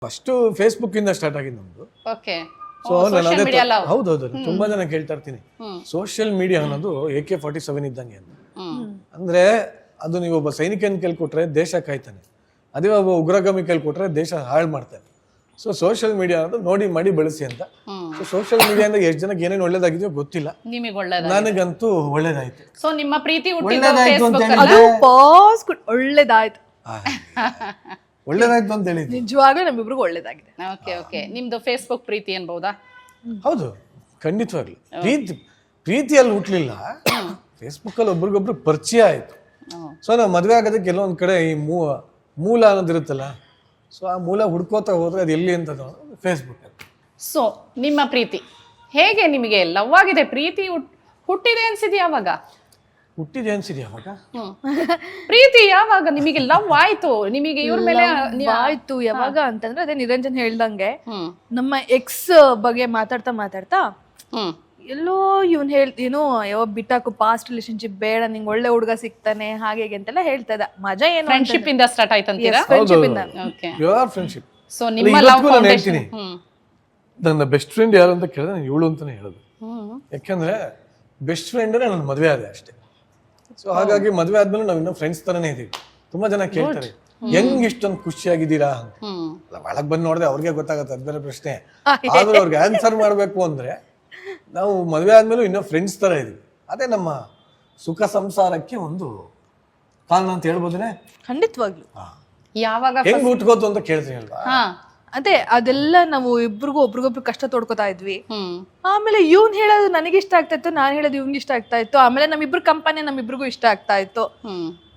First Facebook ಇಂದ start ಆಗಿದ್ದು ನಮ್ದು. ಓಕೆ ಸೊ ನಾನು ಅದೇ ಹೌದೌದು ತುಂಬಾ ಜನ ಕೇಳ್ತಾ ಇರ್ತೀನಿ ಸೋಷಿಯಲ್ ಮೀಡಿಯಾ ಅನ್ನೋದು AK-47 ಇದ್ದಂಗೆ ಅಂತ. ಅಂದ್ರೆ ಅದು ನೀವು ಒಬ್ಬ ಸೈನಿಕನ ಕೈಲಿ ಕೊಟ್ರೆ ದೇಶ ಕಾಯ್ತಾನೆ, ಅದೇ ಒಬ್ಬ ಉಗ್ರಗಾಮಿ ಕೈಲಿ ಕೊಟ್ರೆ ದೇಶ ಹಾಳು ಮಾಡ್ತಾನೆ. ಸೊ ಸೋಷಿಯಲ್ ಮೀಡಿಯಾ ಅನ್ನೋದು ನೋಡಿ ಮಾಡಿ ಬಳಸಿ ಅಂತ. ಸೊ ಸೋಷಿಯಲ್ ಮೀಡಿಯಾದಿಂದ ಎಷ್ಟು ಜನಕ್ಕೆ ಏನೇನು ಒಳ್ಳೇದಾಗಿದೆಯೋ ಗೊತ್ತಿಲ್ಲ, ನಿಮಗೆ ಒಳ್ಳೇದಾಯ್ತು, ನನಗಂತೂ ಒಳ್ಳೇದಾಯ್ತು. ಸೊ ನಿಮ್ಮ ಪ್ರೀತಿ ಒಳ್ಳೇದಾಯ್ತು ಅಂತ ಅದು ಪಾಸ್ ಒಳ್ಳೇದಾಯ್ತು, ಒಳ್ಳೇದಾಯ್ತು ಅಂತ ಹೇಳಿದ್ವಿ. ನಿಜವಾಗ್ಲೂ ನಮ್ಮಿಬ್ರಿಗೂ ಒಳ್ಳೇದಾಗಿದೆ. ಓಕೆ ಓಕೆ ನಿಮ್ದು ಫೇಸ್ಬುಕ್ ಪ್ರೀತಿ ಅನ್ಬಹುದಾ? ಹೌದು, ಖಂಡಿತವಾಗ್ಲು ಪ್ರೀತಿಯಲ್ಲಿ ಹುಟ್ಲಿಲ್ಲ, ಫೇಸ್ಬುಕ್ ಅಲ್ಲಿ ಒಬ್ರಿಗೊಬ್ರು ಪರಿಚಯ ಆಯ್ತು. ಸೊ ನಾವು ಮದುವೆ ಆಗೋದಕ್ಕೆ ಕೆಲವೊಂದ್ ಕಡೆ ಈ ಮೂಲ ಅನ್ನೋದಿರುತ್ತಲ್ಲ, ಸೊ ಆ ಮೂಲ ಹುಡ್ಕೋತಾ ಹೋದ್ರೆ ಅದು ಎಲ್ಲಿ ಅಂತ ಫೇಸ್ಬುಕ್. ಸೊ ನಿಮ್ಮ ಪ್ರೀತಿ ಹೇಗೆ ನಿಮಗೆ ಲವ್ ಆಗಿದೆ, ಪ್ರೀತಿ ಹುಟ್ಟಿದೆ ಅನ್ಸಿದ್ಯಾ ಅವಾಗ? ಹುಟ್ಟಿದೆ ಅನ್ಸಿದ್ಯಾ ಅವಾಗ? ಪ್ರೀತಿ ಯಾವಾಗ ನಿಮಗೆ ಲವ್ ಆಯ್ತು? ನಿಮಗೆ ಇವ್ರ ಮೇಲೆ ಆಯ್ತು ಯಾವಾಗ ಅಂತಂದ್ರೆ ಅದೇ ನಿರಂಜನ್ ಹೇಳ್ದಂಗೆ ನಮ್ಮ ಎಕ್ಸ್ ಬಗ್ಗೆ ಮಾತಾಡ್ತಾ ಎಲ್ಲೋ ಇವ್ನ್ ಏನೋ ಯಾವ ಬಿಟ್ಟಾಕು ಪಾಸ್ಟ್ ರಿಲೇಶನ್ಶಿಪ್ ಬೇಡ, ನಿಂಗೆ ಒಳ್ಳೆ ಹುಡುಗ ಸಿಗ್ತಾನೆ ಹಾಗೆ ಅಂತೆಲ್ಲ ಹೇಳ್ತಾ ಇದ್ದ. ಮಜಾ ಏನು ಫ್ರೆಂಡ್ಶಿಪ್ ಇಂದ ಸ್ಟಾರ್ಟ್ ಆಯ್ತಂತೀರಾ? ಫ್ರೆಂಡ್ಶಿಪ್ ಇಂದ. Pure friendship. ಸೊ ನಿಮ್ಮ ಲವ್ ಫೌಂಡೇಶನ್. ನನ್ನ ಬೆಸ್ಟ್ ಫ್ರೆಂಡ್ ಯಾರು ಅಂತ ಕೇಳಿದ್ರೆ ನಾನು ಇವಳು ಅಂತಾನೆ ಹೇಳೋದು. ಯಾಕಂದ್ರೆ ಬೆಸ್ಟ್ ಫ್ರೆಂಡ್ ನನ್ನ ಮದುವೆ ಆದೆ ಅಷ್ಟೇ. ಸೊ ಹಾಗಾಗಿ ಮದುವೆ ಆದ್ಮೇಲೆ ನಾವ್ ಇನ್ನೂ ಫ್ರೆಂಡ್ಸ್ ತರನೇ ಇದೀವಿ. ತುಂಬಾ ಜನ ಕೇಳ್ತಾರೆ ಹೆಂಗ್ ಇಷ್ಟೊಂದು ಖುಷಿಯಾಗಿದ್ದೀರಾ ಅಂತ. ಒಳಗ್ ಬಂದ್ ನೋಡಿದ್ರೆ ಅವ್ರಿಗೆ ಗೊತ್ತಾಗತ್ತೆ, ಅದ್ ಬೇರೆ ಪ್ರಶ್ನೆ. ಆದ್ರೆ ಅವ್ರಿಗೆ ಆನ್ಸರ್ ಮಾಡ್ಬೇಕು ಅಂದ್ರೆ ನಾವು ಮದುವೆ ಆದ್ಮೇಲೆ ಇನ್ನೂ ಫ್ರೆಂಡ್ಸ್ ತರ ಇದೀವಿ. ಅದೇ ನಮ್ಮ ಸುಖ ಸಂಸಾರಕ್ಕೆ ಒಂದು ಕಾರಣ ಅಂತ ಹೇಳ್ಬೋದನೆ. ಖಂಡಿತವಾಗ್ಲು. ಯಾವಾಗ ಹೆಂಗ್ ಹುಟ್ಕೋತು ಅಂತ ಕೇಳ್ತೀನಿ ಅಲ್ವಾ? ಅದೇ ಅದೆಲ್ಲ ನಾವು ಒಬ್ರಿಗೊಬ್ರು ಕಷ್ಟ ತೋಡ್ಕೊತಾ ಇದ್ವಿ. ಆಮೇಲೆ ಇವ್ನ್ ಹೇಳೋದು ನನಗೆ ಇಷ್ಟ ಆಗ್ತಾ ಇತ್ತು, ನಾನ್ ಹೇಳೋದು ಇವ್ನಿಗೆ ಇಷ್ಟ ಆಗ್ತಾ ಇತ್ತು. ಆಮೇಲೆ ನಮ್ಮಿಬ್ರು ಕಂಪನಿ ನಮ್ಮಿಬ್ರಿಗೂ ಇಷ್ಟ ಆಗ್ತಾ ಇತ್ತು.